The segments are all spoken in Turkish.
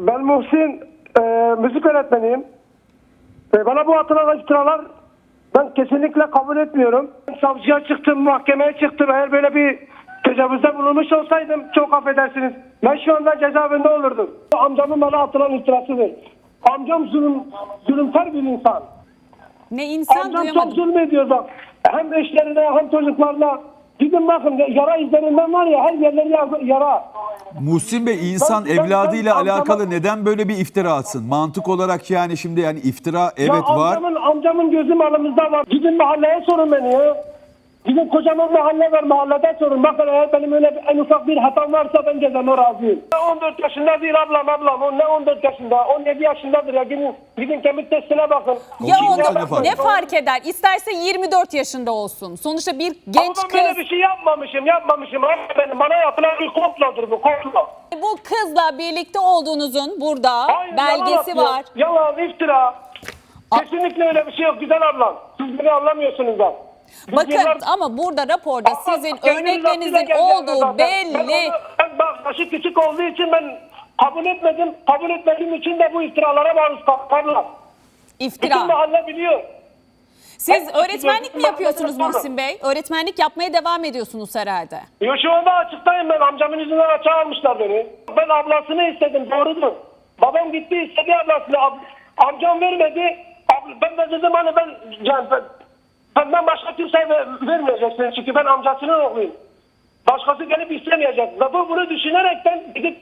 Ben Muhsin, müzik öğretmeniyim. Bana bu atılan iftiralar ben kesinlikle kabul etmiyorum. Savcıya çıktım, mahkemeye çıktım. Eğer böyle bir tecavüzde bulunmuş olsaydım çok affedersiniz. Ben şu anda cezaevinde olurdum. Amcamın bana atılan iftirasıdır. Amcam zulümkar bir insan. Ne insan Amcam çok duyamadım. zulmediyor da. Hem eşlerine hem çocuklarına. Gidin bakın yara izlerinden var ya, her yerleri yara. Muhsin Bey, insan Ben- evladıyla ben- alakalı neden böyle bir iftira atsın? Mantık olarak yani şimdi yani iftira evet Ya var. amcamın gözü malımızda var. Gidin mahalleye sorun beni ya. Gidin kocaman mahalle var, mahallede sorun. Bakın eğer benim öyle en ufak bir hatam varsa ben cezama razıyım. 14 yaşında değil ablam. O ne 14 yaşında? 17 yaşındadır ya. Gidin kemik testine bakın. Ya Şimdi onda ne fark ne eder? fark eder? İsterse 24 yaşında olsun. Sonuçta bir genç Ama ben böyle kız. bir şey yapmamışım. Abi benim bana yapılan bir komplodur bu, komplo. Bu kızla birlikte olduğunuzun burada Hayır, belgesi yalan var. atıyor. Yalan, iftira. Kesinlikle öyle bir şey yok güzel ablam. Siz beni anlamıyorsunuz da. Biz Bakın yıllar- ama burada raporda Ama sizin kendi örneklerinizin rızasıyla geldi olduğu zaten. belli. Ben bak yaşı küçük olduğu için ben kabul etmedim. Kabul etmediğim için de bu iftiralara maruz kaldılar. Bütün İftira. mahalle biliyor. Siz Ben- öğretmenlik mi yapıyorsunuz Muhsin Bey? Öğretmenlik yapmaya devam ediyorsunuz herhalde. Yo, şu anda açıktayım ben. Amcamın yüzünden açığa almışlar beni. Ben ablasını istedim, doğrudur. Babam gitti istedi ablasını. Amcam vermedi. Ben de dedim hani benden başka kimseye vermeyeceksin. Çünkü ben amcasının oğluyum. Başkası gelip istemeyecek. Ve bu bunu düşünerekten gidip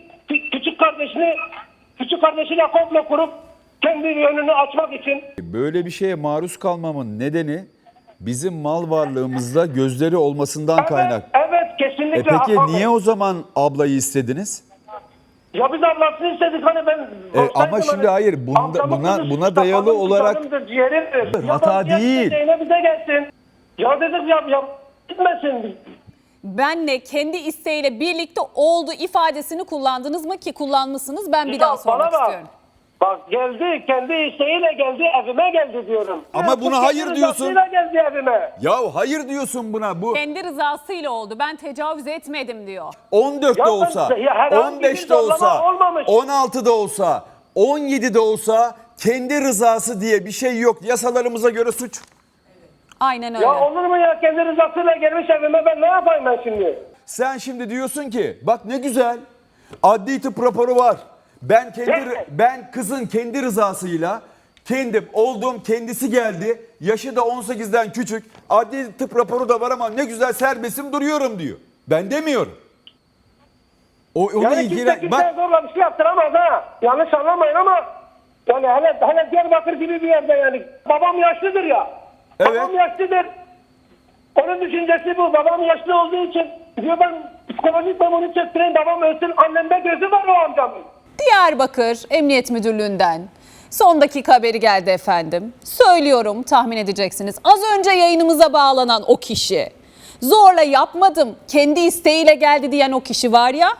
küçük kardeşiyle komplo kurup kendi önünü açmak için. Böyle bir şeye maruz kalmamın nedeni bizim mal varlığımızda gözleri olmasından kaynak. Evet kesinlikle. Peki Hakan Bey. niye o zaman ablayı istediniz? Ya biz ablasını istedik hani ben... ama şimdi hayır, buna dayalı olarak hata değil. Bize gelsin. Ya dedik ya gitmesin. Benle kendi isteğiyle birlikte olduğu ifadesini kullandınız mı ki kullanmışsınız? Ben bir daha sormak Bana bak. istiyorum. Bak geldi kendi isteğiyle geldi evime geldi diyorum. Ama buna Bu hayır kendi diyorsun. rızasıyla geldi evime. Ya hayır diyorsun buna. Bu Kendi rızasıyla oldu. Ben tecavüz etmedim diyor. 14'te Ya ben- olsa, ya herhangi bir 15'te olsa, zorlama olmamış. 16'da olsa, 17'de olsa kendi rızası diye bir şey yok. Yasalarımıza göre suç. Aynen öyle. Ya olur mu ya kendi rızasıyla gelmiş evime ben ne yapayım ben şimdi? Sen şimdi diyorsun ki bak ne güzel adli tıp raporu var. Ben kızın kendi rızasıyla olduğum kendisi geldi. Yaşı da 18'den küçük. Adli tıp raporu da var ama ne güzel serbestim duruyorum diyor. Ben demiyorum. Onu Yani kimse kimseye zorla bir şey yaptıramaz ha. Yanlış anlamayın ama yani hele Diyarbakır gibi bir yerde yani. Babam yaşlıdır ya. Evet. Babam yaşlıdır. Onun düşüncesi bu. Babam yaşlı olduğu için diyor ben psikolojik ben onu çektireyim. Babam ölsün. Annemde gözü var o amcamın. Diyarbakır Emniyet Müdürlüğü'nden son dakika haberi geldi efendim. Söylüyorum, tahmin edeceksiniz. Az önce yayınımıza bağlanan o kişi, zorla yapmadım, kendi isteğiyle geldi diyen o kişi var ya,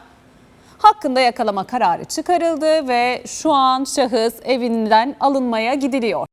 hakkında yakalama kararı çıkarıldı ve şu an şahıs evinden alınmaya gidiliyor.